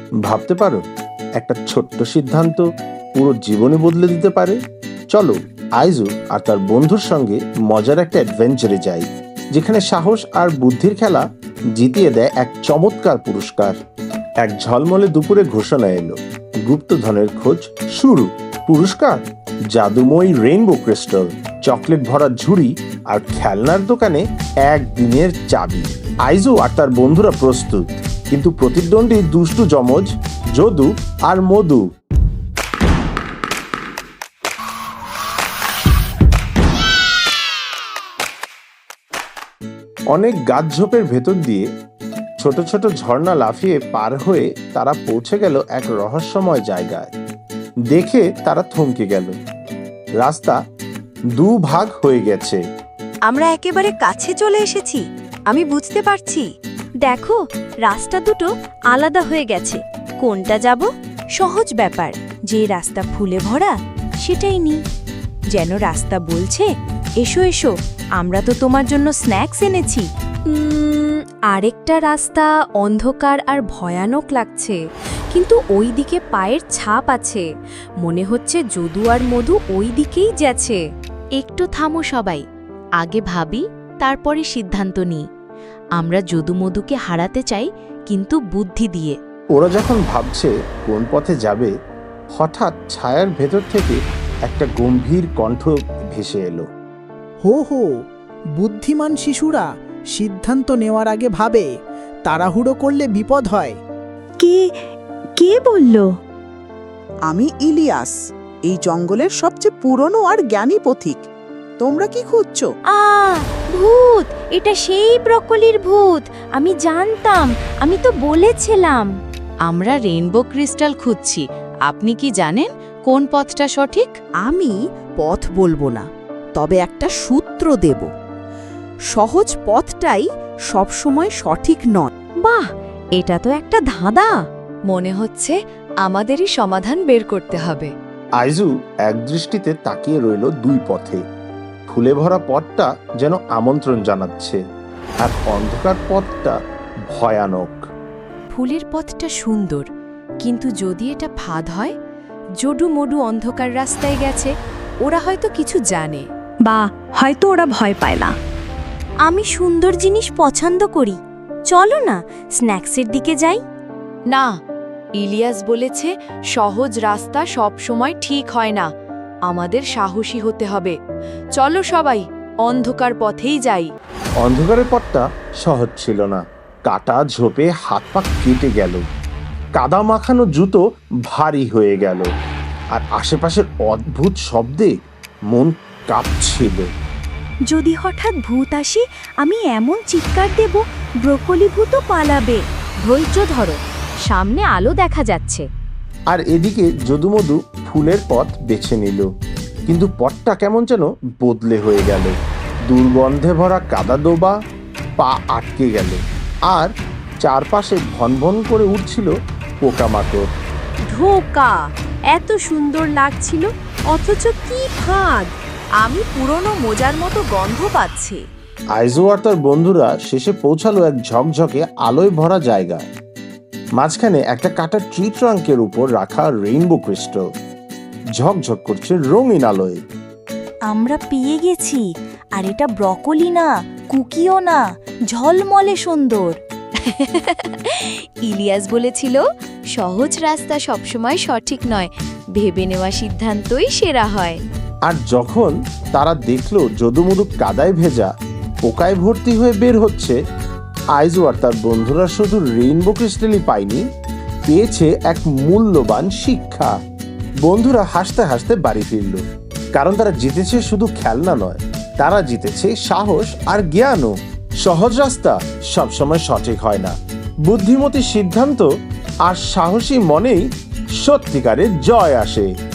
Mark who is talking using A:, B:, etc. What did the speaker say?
A: ভাবতে পারো, একটা ছোট্ট সিদ্ধান্ত পুরো জীবনই বদলে দিতে পারে। চলো আইজু আর তার বন্ধুর সঙ্গে মজার একটা অ্যাডভেঞ্চারে যাই, যেখানে সাহস আর বুদ্ধির খেলা জিতিয়ে দেয় এক চমৎকার পুরস্কার। এক ঝলমলে দুপুরে ঘোষণা এলো, গুপ্তধনের খোঁজ শুরু। পুরস্কার জাদুময়ী রেইনবো ক্রিস্টাল, চকলেট ভরা ঝুড়ি আর খেলনার দোকানে একদিনের চাবি। আইজু আর তার বন্ধুরা প্রস্তুত, কিন্তু প্রতিদ্বন্দ্বী দুষ্টু যমজ যদু আর মধু। অনেক গাছঝোপের ভেতর দিয়ে ছোট ছোট ঝর্ণা লাফিয়ে পার হয়ে তারা পৌঁছে গেল এক রহস্যময় জায়গায়। দেখে তারা থমকে গেল। রাস্তা দুভাগ হয়ে গেছে।
B: আমরা একেবারে কাছে চলে এসেছি, আমি বুঝতে পারছি। দেখো, রাস্তা দুটো আলাদা হয়ে গেছে। কোনটা যাব? সহজ ব্যাপার, যে রাস্তা ফুলে ভরা সেটাই নি। যেন রাস্তা বলছে, এসো এসো, আমরা তো তোমার জন্য স্ন্যাক্স এনেছি। আরেকটা রাস্তা অন্ধকার আর ভয়ানক লাগছে, কিন্তু ওই দিকে পায়ের ছাপ আছে। মনে হচ্ছে যদু আর মধু ওই দিকেই যাচ্ছে।
C: একটু থামো সবাই, আগে ভাবি তারপরে সিদ্ধান্ত নিই। আমরা যদু মধুকে হারাতে চাই, কিন্তু বুদ্ধি দিয়ে।
A: ওরা যখন ভাবছে কোন পথে যাবে, হঠাৎ ছায়ার ভেতর থেকে একটা গম্ভীর কণ্ঠ ভেসে এলো।
D: হো হো, বুদ্ধিমান শিশুরা সিদ্ধান্ত নেওয়ার আগে ভাবে, তাড়াহুড়ো করলে বিপদ হয়।
B: কে কে বলল?
E: আমি ইলিয়াস, এই জঙ্গলের সবচেয়ে পুরনো আর জ্ঞানী পথিক। তোমরা কি খুঁজছো?
B: ভূত! এটা সেই ব্রকলির ভূত। আমি জানতাম, আমি তো বলেছিলাম।
C: আমরা রেইনবো ক্রিস্টাল খুঁজছি। আপনি কি জানেন কোন পথটা সঠিক?
F: আমি পথ বলবো না, তবে একটা সূত্র দেব। সহজ পথটাই সবসময় সঠিক নয়।
B: বাহ, এটা তো একটা ধাঁধা।
C: মনে হচ্ছে আমাদেরই সমাধান বের করতে হবে।
A: আইজু এক দৃষ্টিতে তাকিয়ে রইল দুই পথে। ফুলে ভরা পথটা যেন আমন্ত্রণ জানাচ্ছে, আর অন্ধকার পথটা ভয়ানক।
C: ফুলের পথটা সুন্দর, কিন্তু যদি এটা ফাঁদ হয়? জডু মডু অন্ধকার রাস্তায় গেছে, ওরা হয়তো কিছু জানে,
B: বা হয়তো ওরা ভয় পায় না। আমি সুন্দর জিনিস পছন্দ করি। চলো না স্ন্যাক্সের দিকে যাই।
C: না, ইলিয়াস বলেছে সহজ রাস্তা সব সময় ঠিক হয় না। আমাদের সাহসী হতে হবে। চলো সবাই অন্ধকার পথেই যাই।
A: অন্ধকারের পথটা সহজ ছিল না। কাটা ঝোপে হাত পা কেটে গেল, কাদা মাখানো জুতো ভারী হয়ে গেল, আর আশেপাশের অদ্ভুত শব্দে মন কাঁপছিল।
B: যদি হঠাৎ ভূত আসে, আমি এমন চিৎকার দেব, ব্রকলি ভূতও পালাবে। ধৈর্য ধরো, সামনে আলো দেখা যাচ্ছে।
A: আর এদিকে যদুমধু ফুলের পথ বেছে নিল, কিন্তু পথটা কেমন যেন বদলে হয়ে গেল। দুর্গন্ধে ভরা কাদা দোবা, পা আটকে গেল, আর চারপাশে ভনভন করে উঠছিল পোকামাকড়।
B: ধোকা! এত সুন্দর লাগছিল, অথচ কি ফাঁদ!
C: আমি পুরনো মোজার মতো গন্ধ পাচ্ছি।
A: আইজু আর তার বন্ধুরা শেষে পৌঁছালো এক ঝকঝকে আলোয় ভরা জায়গায়। মাঝখানে একটা কাটা ট্রি ট্রাঙ্কের উপর রাখা রেইনবো ক্রিস্টাল ঝকঝক করছে রঙিন আলোয়।
B: আমরা পেয়ে গেছি, আর এটা ব্রকলি না, কুকিও না, ঝলমলে সুন্দর।
C: ইলিয়াস বলেছিল সহজ রাস্তা সবসময় সঠিক নয়, ভেবে নেওয়া সিদ্ধান্তই সেরা হয়।
A: আর যখন তারা দেখলো যদুমধু কাদায় ভেজা, পোকায় ভর্তি হয়ে বের হচ্ছে, আইজু আর তার বন্ধুরা শুধু রেইনবো ক্রিস্টালই পায়নি, পেয়েছে এক মূল্যবান শিক্ষা। বন্ধুরা হাসতে হাসতে বাড়ি ফিরল, কারণ তারা জিতেছে শুধু খেলনা নয়, তারা জিতেছে সাহস আর জ্ঞানও। সহজ রাস্তা সবসময় সঠিক হয় না, বুদ্ধিমতী সিদ্ধান্ত আর সাহসী মনেই সত্যিকারের জয় আসে।